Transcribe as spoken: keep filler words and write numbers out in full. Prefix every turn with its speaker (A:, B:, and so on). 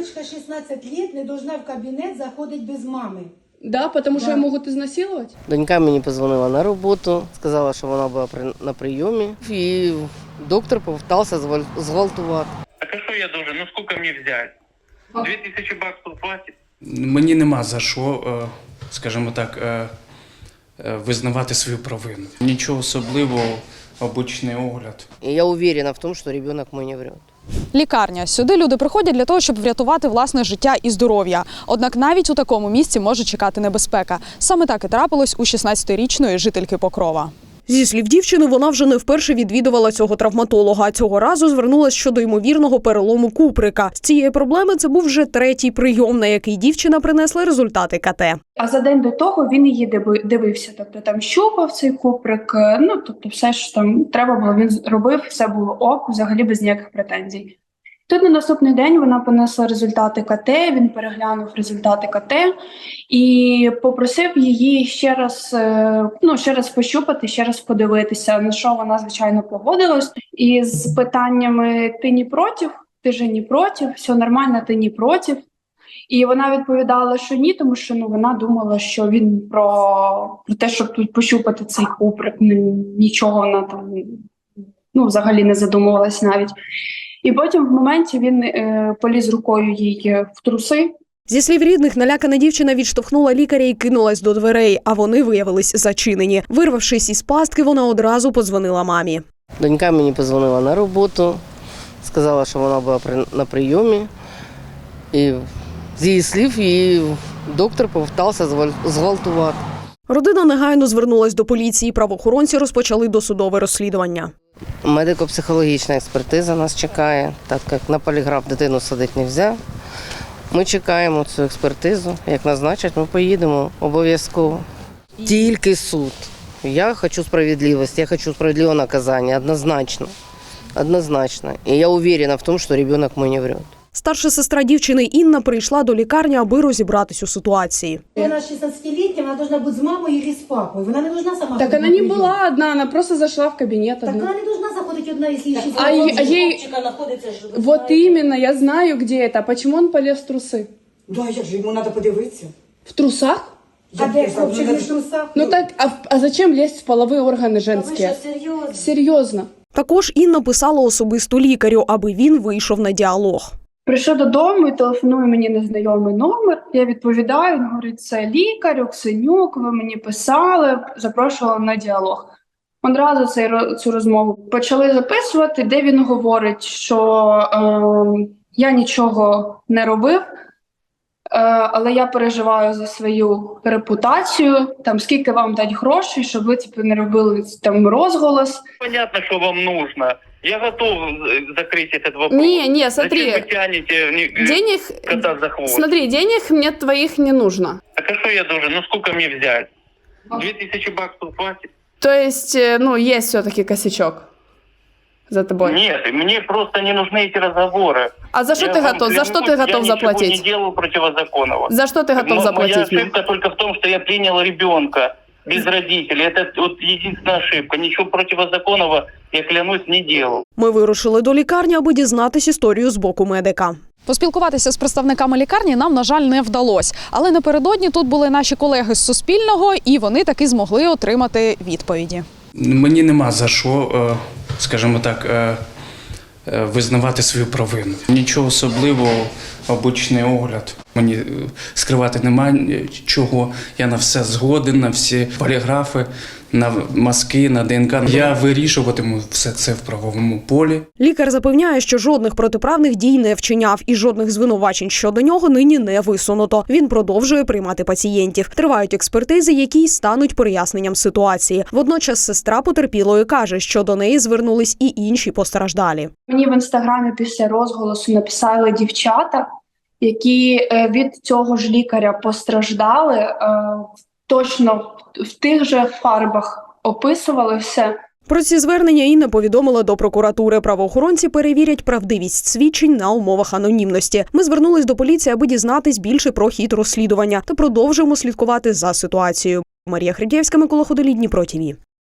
A: Малышка шістнадцять років не должна в кабінет заходити без мами.
B: Да, потому
A: Да.
B: что ее могут изнасиловать?
C: Донька мені позвонила на роботу, сказала, що вона була при- на прийомі, і доктор попитався зваль- зґвалтувати.
D: Так а що я должен? Ну сколько мне взять? Две тысячи баксов хватит?
E: Мені нема за що, е, скажімо так, е, е, визнавати свою провину. Нічого особливого, обичний огляд.
C: І я уверена в тому, що ребенок мій не врет.
F: Лікарня. Сюди люди приходять для того, щоб врятувати власне життя і здоров'я. Однак навіть у такому місці може чекати небезпека. Саме так і трапилось у шістнадцятирічної жительки Покрова. Зі слів дівчини, вона вже не вперше відвідувала цього травматолога. Цього разу звернулася щодо ймовірного перелому куприка. З цієї проблеми це був вже третій прийом, на який дівчина принесла результати ка те.
G: А за день до того він її диви- дивився, тобто там щупав цей куприк, ну тобто все ж там треба було, він робив, все було ок, взагалі без ніяких претензій. Тут на наступний день вона понесла результати ка те, він переглянув результати ка те і попросив її ще раз, е, ну, ще раз пощупати, ще раз подивитися, на що вона, звичайно, погодилась. І з питаннями «ти не проти?», «ти же не проти?», «все нормально, ти не проти?». І вона відповідала, що ні, тому що ну, вона думала, що він про, про те, щоб тут пощупати цей куприк, нічого вона там ну, взагалі не задумувалась навіть. І потім в моменті він е, поліз рукою їй в труси.
F: Зі слів рідних, налякана дівчина відштовхнула лікаря і кинулась до дверей, а вони виявились зачинені. Вирвавшись із пастки, вона одразу подзвонила мамі.
C: Донька мені позвонила на роботу, сказала, що вона була при- на прийомі, і з її слів її доктор попитався зваль- зґвалтувати.
F: Родина негайно звернулась до поліції, правоохоронці розпочали досудове розслідування.
C: Медико-психологічна експертиза нас чекає, так як на поліграф дитину садити не можна. Ми чекаємо цю експертизу. Як назначать, ми поїдемо обов'язково. Тільки суд. Я хочу справедливості, я хочу справедливого наказання, однозначно. Однозначно. І я уверена в тому, що ребенок мій не врет.
F: Старша сестра дівчини Інна прийшла до лікарні, аби розібратись у ситуації.
A: Вона шістнадцятилітня, вона должна бути з мамою і з папою. Вона не должна сама.
B: Так
A: ходити
B: она
A: на
B: не
A: прийом.
B: была одна, она просто зашла в кабинет
A: Так
B: одна.
A: вона не должна заходити одна, якщо їй
B: А ей- а ей-
H: Хлопчика знаходиться ж, ви
B: Вот
H: знаєте.
B: именно, я знаю, где это. Почему он полез в трусы?
H: Да, як же, йому треба подивитися.
B: В трусах?
A: А де хлопчик не в трусах?
B: Ну так, а, в- а зачем лезть в половые органы
H: А ви
B: женские?
H: що, серйозно?
B: Серьезно.
F: Також Інна писала особисто лікарю, аби він вийшов на діалог.
G: Прийшов додому і телефонує мені незнайомий номер. Я відповідаю, він говорить, це лікар, Оксенюк, ви мені писали, запрошували на діалог. Одразу цей, ро- цю розмову почали записувати, де він говорить, що е, я нічого не робив, е, але я переживаю за свою репутацію, там, скільки вам дати грошей, щоб ви типу, не робили там розголос.
D: Понятно, что вам нужно. Я готов э, закрыть этот вопрос.
B: Не, не,
D: Зачем
B: смотри.
D: вы тянете не- э,
B: Денег,
D: кота за хвост?
B: смотри, денег мне твоих не нужно.
D: Так а что я должен? Ну сколько мне взять? Две тысячи баксов хватит?
B: То есть, э, ну, есть все-таки косячок за тобой.
D: Нет, мне просто не нужны эти разговоры.
B: А за что
D: Я
B: ты
D: вам
B: готов? За что
D: клянусь,
B: ты готов
D: я ничего
B: заплатить?
D: не делаю противозаконного.
B: За что ты готов
D: Мо- Моя
B: заплатить мне?
D: ошибка только в том, что я принял ребенка без родителей. Это вот единственная ошибка. Ничего противозаконного, я клянусь, не делал.
F: Ми вирушили до лікарні, аби дізнатись історію з боку медика. Поспілкуватися з представниками лікарні нам, на жаль, не вдалося. Але напередодні тут були наші колеги з Суспільного, і вони таки змогли отримати відповіді.
E: Мені нема за що, е, скажімо так, е, е, визнавати свою провину. Нічого особливого, обичний огляд. Мені е, скривати немає чого. Я на все згоден, на всі поліграфи, на мазки, на ДНК. Я вирішуватиму все це в правовому полі.
F: Лікар запевняє, що жодних протиправних дій не вчиняв і жодних звинувачень щодо нього нині не висунуто. Він продовжує приймати пацієнтів. Тривають експертизи, які й стануть проясненням ситуації. Водночас сестра потерпілої каже, що до неї звернулись і інші постраждалі.
G: Мені в інстаграмі після розголосу написали дівчата, які е, від цього ж лікаря постраждали, е, точно в- в тих же фарбах описували все.
F: Про ці звернення Інна повідомила до прокуратури. Правоохоронці перевірять правдивість свідчень на умовах анонімності. Ми звернулись до поліції, аби дізнатись більше про хід розслідування та продовжуємо слідкувати за ситуацією. Марія Хридєвська, Микола Ходолій, Дніпро ТІВІ.